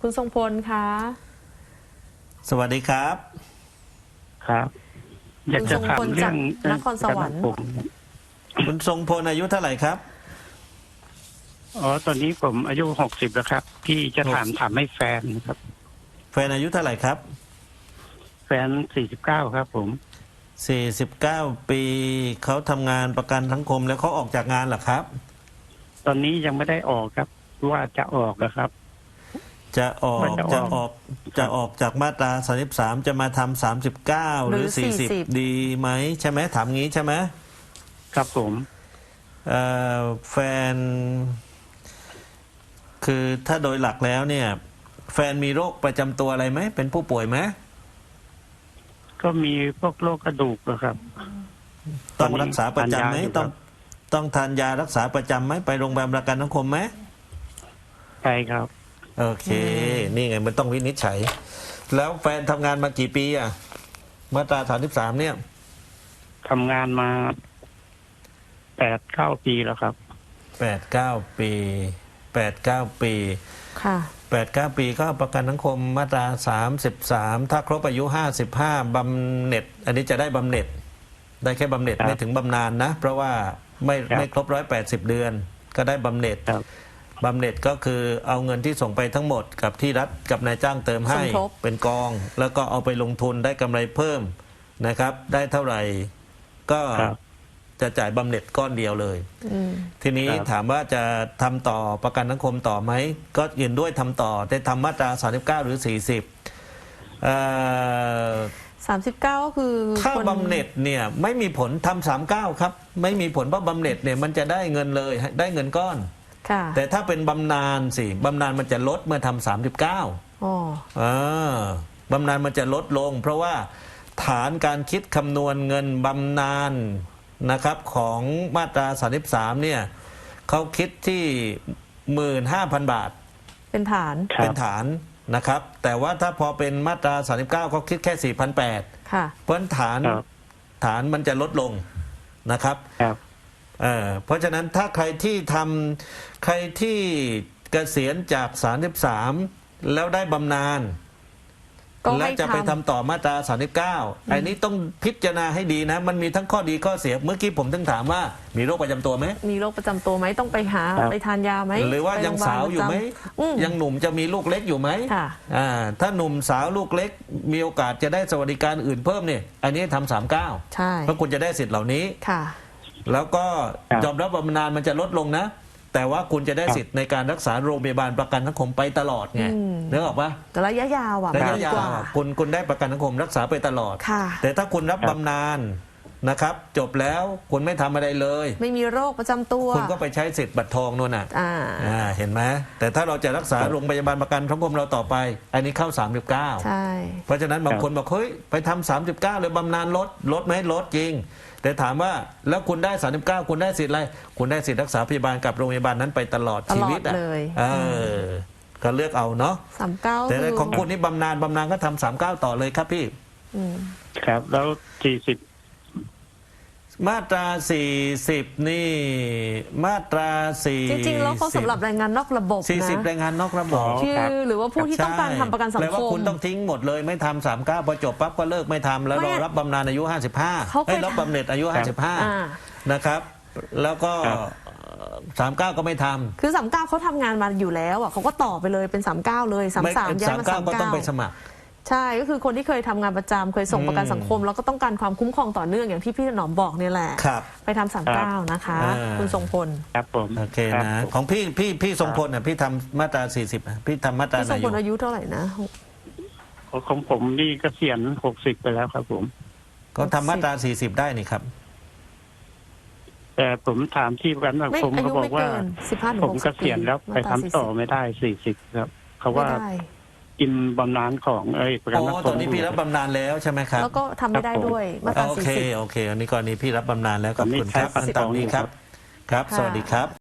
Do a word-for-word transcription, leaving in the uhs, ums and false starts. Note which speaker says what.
Speaker 1: คุณทรงพลคะ
Speaker 2: สวัสดีครับ
Speaker 3: ครับอยากจะถามเรื่อง
Speaker 1: นครสวรรค์
Speaker 3: ผม
Speaker 2: คุณทรงพลอายุเท่าไหร่ครับ
Speaker 3: อ๋อตอนนี้ผมอายุหกสิบแล้วครับพี่จะถามถามให้แฟนครับ
Speaker 2: แฟนอายุเท่าไหร่ครับ
Speaker 3: แฟนสี่สิบเก้าครับผม
Speaker 2: สี่สิบเก้าปีเขาทำงานประกันสังคมแล้วเขาออกจากงานเหรอครับ
Speaker 3: ตอนนี้ยังไม่ได้ออกครับว่าจะออกนะครับ
Speaker 2: จะออก
Speaker 3: ว่าจะ
Speaker 2: จะ
Speaker 3: ออก
Speaker 2: ออกจะออกจากมาตราสามสิบสามจะมาทำสามสิบเก้าหรือสี่สิบดีไหมใช่ไหมถามงี้ใช่ไหม
Speaker 3: ครับผม
Speaker 2: เอ่อแฟน คือถ้าโดยหลักแล้วเนี่ย แฟนมีโรคประจำตัวอะไรไหมเป็นผู้ป่วยไหม
Speaker 3: ก็มีพวกโรคกระดูกนะครับ
Speaker 2: ต้องรักษาประจำไหม
Speaker 3: ทานยาอยู่
Speaker 2: ต้องต้องทานยารักษาประจำไหมไปโรงพยาบาลประกันสังคมไหม
Speaker 3: ใช่ครับ
Speaker 2: โอเค นี่ไงมันต้องวินิจฉัย แล้วแฟนทำงานมากี่ปีอ่ะมาตราสามสิบสามเนี่ย
Speaker 3: ทำงานมาแปดเก้าปีแล้วครับ
Speaker 2: แปดเก้าปีแปดเก้าปี
Speaker 1: ค่ะ
Speaker 2: แปดเก้าปีก็ประกันสังคมมาตราสามสิบสามถ้าครบอายุห้าสิบห้าบำเหน็จ อันนี้จะได้บำเหน็จ ได้แค่บำเหน็จไม่ถึงบำนาญนะเพราะว่าไม่ไม่ครบร้อยแปดสิบเดือนก็ได้บำเหน็จบำเหน็จก็คือเอาเงินที่ส่งไปทั้งหมดกับที่รัฐกับนายจ้างเติมให้เป็นกองแล้วก็เอาไปลงทุนได้กำไรเพิ่มนะครับ ได้เท่าไหร่ก็จะจ่ายบำเหน็จก้อนเดียวเลยทีนี้ถามว่าจะทำต่อประกันสังคมต่อไหมก็ยินด้วยทำต่อแต่ทำมาตราสามสิบเก้าหรือสี่สิบเอ่อ
Speaker 1: สามสิบเก้าก็คือ
Speaker 2: ถ้าบำเหน็จเนี่ยไม่มีผลทำสามเก้าครับไม่มีผลเพราะบำเหน็จเนี่ยมันจะได้เงินเลยได้เงินก้อนแต่ถ้าเป็นบำนาญสิบำนาญมันจะลดเมื่อทำสามสิบเก้าอ๋อบำนาญมันจะลดลงเพราะว่าฐานการคิดคำนวณเงินบำนาญนะครับของมาตราสามสิบสามเนี่ยเขาคิดที่หมื่นห้าพันบาท
Speaker 1: เป็นฐาน
Speaker 2: เป็นฐานนะครับแต่ว่าถ้าพอเป็นมาตราสามสิบเก้าเขาคิดแค่ สี่พันแปดร้อย
Speaker 1: ค่ะ
Speaker 2: เพราะฐานฐานมันจะลดลงนะครับเอ่อเพราะฉะนั้นถ้าใครที่ทำใครที่เกษียณจากสามสิบสามแล้วได้บำนาญและจะไปทำต่อมาตราสามสิบเก้าไอ้นี้ต้องพิจารณาให้ดีนะมันมีทั้งข้อดีข้อเสียเมื่อกี้ผมถึงถามว่ามีโรคประจำตัวไหม
Speaker 1: มีโรคประจำตัวไหมต้องไปหาไปทานยาไหม
Speaker 2: หรือว่ายังสาวอยู่ไหมยังหนุ่มจะมีลูกเล็กอยู่ไหมอ่าถ้าหนุ่มสาวลูกเล็กมีโอกาสจะได้สวัสดิการอื่นเพิ่มเนี่ยอันนี้ทำสามเก้า
Speaker 1: ใช่
Speaker 2: เพราะคุณจะได้สิทธิ์เหล่านี้
Speaker 1: ค่ะ
Speaker 2: แล้วก็ยอมรับบำนาญมันจะลดลงนะแต่ว่าคุณจะได้สิทธิ์ในการรักษาโรงพยาบาลประกันสังคมไปตลอดไงนึกออกปะ
Speaker 1: แต่ระยะยาวอ่ะ
Speaker 2: ระยะยาวคุณคุณได้ประกันสังคมรักษาไปตลอดแต่ถ้าคุณรับบำนาญนะครับจบแล้วคุณไม่ทำอะไรเลย
Speaker 1: ไม่มีโรคประจำตัว
Speaker 2: คุณก็ไปใช้สิทธิ์บัตรทองนู่นน่ะอ่าเห็นไหมแต่ถ้าเราจะรักษาโรงพยาบาลประกันสังคมเราต่อไปอันนี้เข้าสามสิบเก้า
Speaker 1: ใช่
Speaker 2: เพราะฉะนั้นบางคนบอกเฮ้ยไปทำสามสิบเก้าเลยบำนาญลดลดไหมลดจริงแต่ถามว่าแล้วคุณได้สามสิบเก้าคุณได้สิทธิ์อะไรคุณได้สิทธิ์รักษาพยาบาลกับโรงพยาบาลนั้นไปตลอดชีวิตอ่ะเออก็เลือกเอาเนาะ
Speaker 1: สามเก้า
Speaker 2: แต่ของคุณนี่บำนาญบำนาญก็ทำสามเก้าต่อเลยครับพี่
Speaker 3: ครับแล้วสี่สิบ
Speaker 2: มาตราสี่สิบนี่มาตราสี่
Speaker 1: จริงๆแล้วเขาสำหรับแรงงานนอกระบบนะ
Speaker 2: สี่สิบแรงงานนอกระบบ
Speaker 1: คือหรือว่าผู้ที่ต้องการทำประกันสังคมแปล
Speaker 2: ว่าคุณต้องทิ้งหมดเลยไม่ทำสามเก้าพอจบปั๊บก็เลิกไม่ทำแล้วรอรับบำนาญอายุห้าสิบห้าให้รับบำเหน็จอายุห้าสิบห้านะครับแล้วก็สามเก้าก็ไม่ทำ
Speaker 1: คือสามเก้าเขาทำงานมาอยู่แล้วอ่ะเขาก็ต่อไปเลยเป็นสามเก้าเลยสามสามย้ายมาสามเก้า
Speaker 2: ก็ต้องไปสมัคร
Speaker 1: ใช่ก็คือคนที่เคยทำงานประจำเคยส่งประกันสังคมแล้วก็ต้องการความคุ้มครองต่อเนื่องอย่างที่พี่หนอมบอกเนี่ยแหละไปทำสามเก้านะคะคุณทรงพล
Speaker 3: ครับผม
Speaker 2: โอเคนะของพี่พี่พี่ทรงพลอ่ะพี่ทำมาตราสี่สิบพี่ทำมาตราไหน
Speaker 1: พี่ทรงพลอายุเท่าไหร่นะ
Speaker 3: ของผมนี่เกษียณหกสิบไปแล้วครับผม
Speaker 2: ก็ทำมาตราสี่สิบได้นี่ครับ
Speaker 3: แต่ผมถามที่ประกันสังคมเขาบอกว่าผมเกษียณแล้วไปทำต่อไม่ได้สี่สิบครับเขาว่ากินบำนาญของเอ้ยประกันสังคม
Speaker 2: ตอนนี้พี่รับบำนาญแล้วใช่ไหมครับ
Speaker 1: แล้วก็ทำไม่ได้ด้วยมาตราสี่สิบ
Speaker 2: โอเคโอเคอันนี้กรณีพี่รับบำนาญแล้วขอบคุณครับตามนี้ครับครับสวัสดีครับ